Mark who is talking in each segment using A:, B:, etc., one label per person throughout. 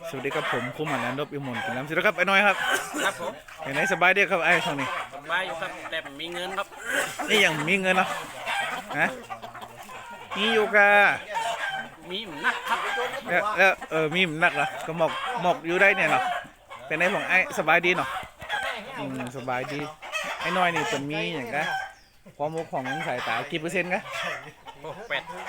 A: สวัสดีครับผมคุ้มหันนันทบอิมลกินน้ำสวัสดีครับไอ้น้อยครับ
B: ครับผม
A: เป็นไงสบายดีครับไอ้ช่วงนี้
B: สบายอยู่ครับแต่มีเงินครับ
A: นี่ยังมีเงินเนาะนะมีอยู่กะ
B: มีหนักครับ
A: แล้วมีหนักเหรอก็หมอกอยู่ได้เนี่ยเนาะเป็นไงของไอ้สบายดีเนาะสบายดีไอ้น้อยนี่เป็นมีอย่างกะความมุกของสายตากี่เปอร์เซ็นต์กะ
B: โอ้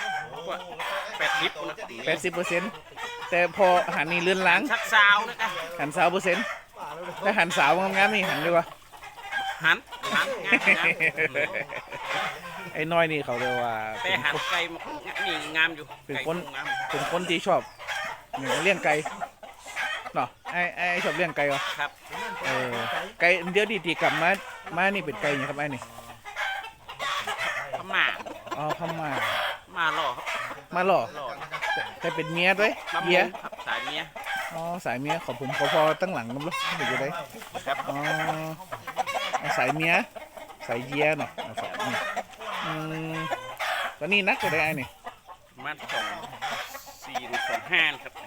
B: 80นะ
A: 80%แต่พอหันนี่เลื่อนหล้าง
B: ชักซาวนะกัน
A: หัน30%ถ้าหันสาวงามๆนี่หันดีกว่า
B: หันงาม
A: ไอ้น้อยนี่เขาเรียกว่า
B: แต่หันไก่นี่งามอยู่
A: เป็นคน
B: งาม
A: เป็นคนที่ชอบเลี้ยงไก่เนาะไอ้ชอบเลี้ยงไก่เหรอ
B: ครับ
A: ไก่เดี๋ยวดีๆกลับมานี่เป็นไก่เนี่ยครับไอ้นี่
B: พม่า
A: อ๋อพม่า
B: มาหล่อครับ
A: มาหล่อ
B: หล่อ
A: แต่เป็นเมียด้วย
B: ลำ
A: เมี
B: ม
A: ย
B: งครับสายเมีย
A: อ๋อสายเมียของผมขอพอตั้งหลังกันลูกเดี๋ยวจะได้
B: ครับ
A: อ๋อสายเมียสายเยียเนาะครับตอนนี้นักจะได้ไอ้นี่
B: มา2425ครับ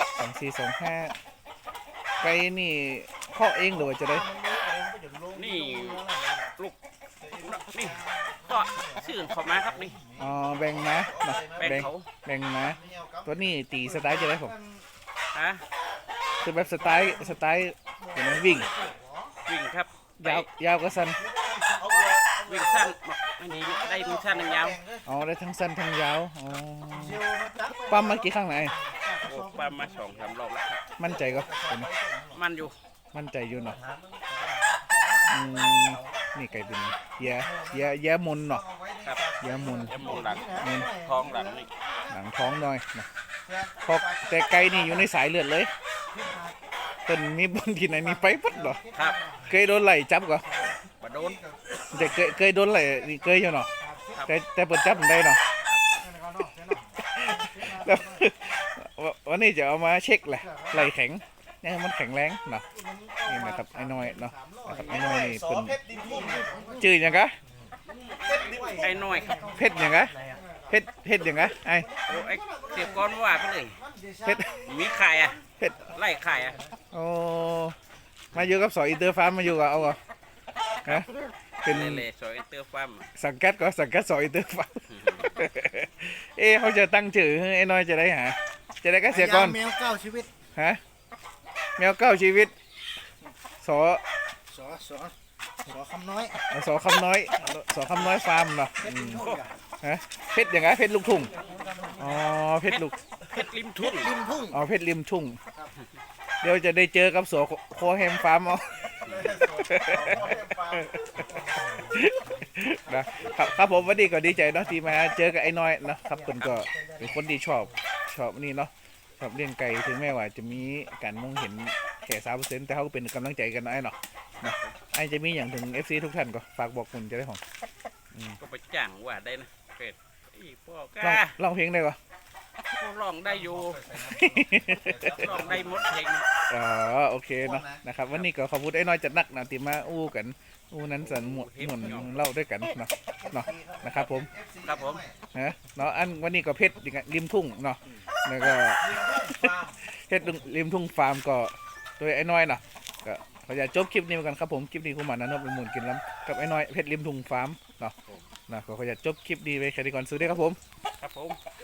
A: 2425ไก่นี่พ่อเองหรือว่าจะได้
B: นี่ลูกนี่ก็ชื่อเขามาครับนี่
A: อ๋อแบ่งนะเนาะ
B: แบ่งเขา
A: แบ่งนะตัวนี้ตีสไตล์จะได้ผม
B: ฮะ
A: คือแบบสไตล์อย่างนั้นวิ่ง
B: วิ่งครับ
A: ยาวก็สั้น
B: วิ่งสั้นบอกอันนี้ได้วิ่งสั้นหนึ่งยาว
A: อ๋อได้ทั้งสั้นทั้งยาวอ๋อปั๊มมากี่ครั้งไหน
B: โอ้ปลามา2-3รอบแล้วครับ
A: มั่นใจก็ผม
B: มันอยู่
A: มั่นใจอยู่เนาะนี่ไก่เป็นแย่มนเนาะ
B: ครับ
A: แย่มน
B: จมูกหลัง
A: มน
B: ท้องหลังนี่
A: หนังท้องหน่อยนะพอแต่ไก่นี่อยู่ในสายเลือดเลยต้นมีบนที่ไหนมีไปปั๊ดเหรอ
B: ครับ
A: เคยโดนไหลจับก็
B: บโดน
A: แต่เคยโดนไหลนี่เคยอยู่เนาะแต่เปิดจับมันได้เนาะ แล้ววันนี้จะเอามาเช็คแหละไหลแข็งเนี่ยมันแข็งแรงเนาะนี่นะครับไอ้น้อยเนาะนะครับไอ้น้อยนี่เป็นจืดยังกะ
B: ไอ้น้อยครับ
A: เพชรยังกะเพชรยังกะไอ้
B: โอ้ไอ้เสียก้อนว่าไปเลย
A: เพชร
B: มีไข่อ่ะ
A: เพชร
B: ไล่ไข่อ่ะ
A: โอ้มาอยู่กับสอยอินเตอร์ฟาร์มมาอยู่กับเอาก็ฮะเป็น
B: เล่ๆสวยเตอร์ฟัม
A: สังกัดก็สังกัดสอยอินเตอร์ฟาร์ม เขาจะตั้งชื่อให้ไอ้น้อยจะได้หาจะได้ก็เสียก่อน
C: แมวเก้าชีวิต
A: ฮะแมวเก้าชีวิตสอ
C: สอคำน้อย
A: สอคำน้อยสอคำน้อยฟาร์มเนาะฮะเพชรอย่างไงเพชรลูกทุ่งอ๋อเพชรลูก
B: เพชรริมทุ่ง
C: ริมทุ่ง
A: อ๋อเพชรริมทุ่งเดี๋ยวจะได้เจอกับสอโคแฮมฟาร์มเอานะครับผมวันนี้ก็ดีใจเนาะที่มาเจอกับไอ้น้อยนะครับเพิ่นก็เป็นคนที่ชอบนี่เนาะชอบเลี้ยงไก่ถึงแม้ว่าจะมีการมองเห็นแค่3%แต่เขาก็เป็นกำลังใจกันนะไอ้เนาะนะไอ้จะมีอย่างถึง FC ทุกท่านก็ฝากบอกคุณจะได้ของ
B: ก็ไปจ้างว่าได้นะเป็ดอีพ่อ
A: ร้อง
B: ก้า
A: ร้องเพลงได้ก็
B: ร้องได้อยู่ร้องได้หมดเพลง
A: อ๋อโอเคเนาะนะครับวันนี้ก็ขอบคุณไอ้น้อยจัดนักนะที่มาอู้กันอู้นั้นสันหมดเล่าด้วยกันเนาะนะครับผม
B: ครับผม
A: นะเนาะอันวันนี้ก็เพชรริมทุ่งเนาะแล้วก็เพชรริมทุ่งฟาร์มก็โดยไอ้น้อยเนาะก็ขออยากจบคลิปนี้กันครับผมคลิปนี้คุณหมานะนพเป็นหมุนกินล้ำกับไอ้น้อยเพชรริมทุ่งฟาร์มเนาะก็ขออยากจบคลิปนี้ไปแค่นี้ก่อนซื้อได้ครับผม
B: ครับผม